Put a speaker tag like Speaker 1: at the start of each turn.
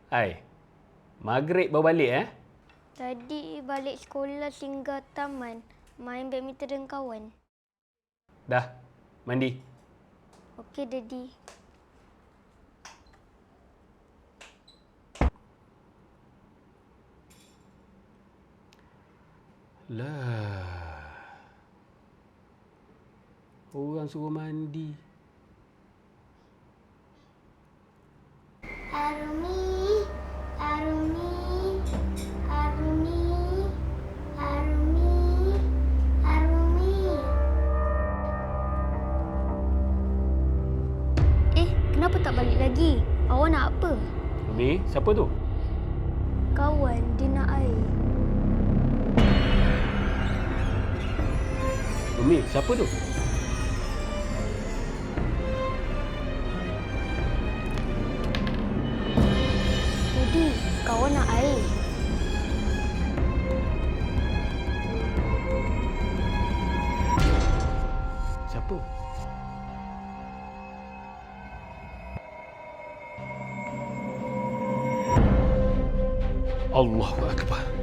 Speaker 1: Hai, maghrib baru balik
Speaker 2: Tadi balik sekolah singgah taman, main badminton dengan kawan.
Speaker 1: Dah, mandi.
Speaker 2: Okey, Daddy.
Speaker 1: Lah. Orang suruh mandi.
Speaker 3: Arumi, Arumi, Arumi, Arumi, Arumi.
Speaker 2: Kenapa tak balik lagi? Awak nak apa?
Speaker 1: Umi, siapa tu?
Speaker 2: Kawan, dia nak air.
Speaker 1: Umi, siapa tu?
Speaker 2: Daddy, kawan nak air.
Speaker 1: Siapa? Allahu Akbar.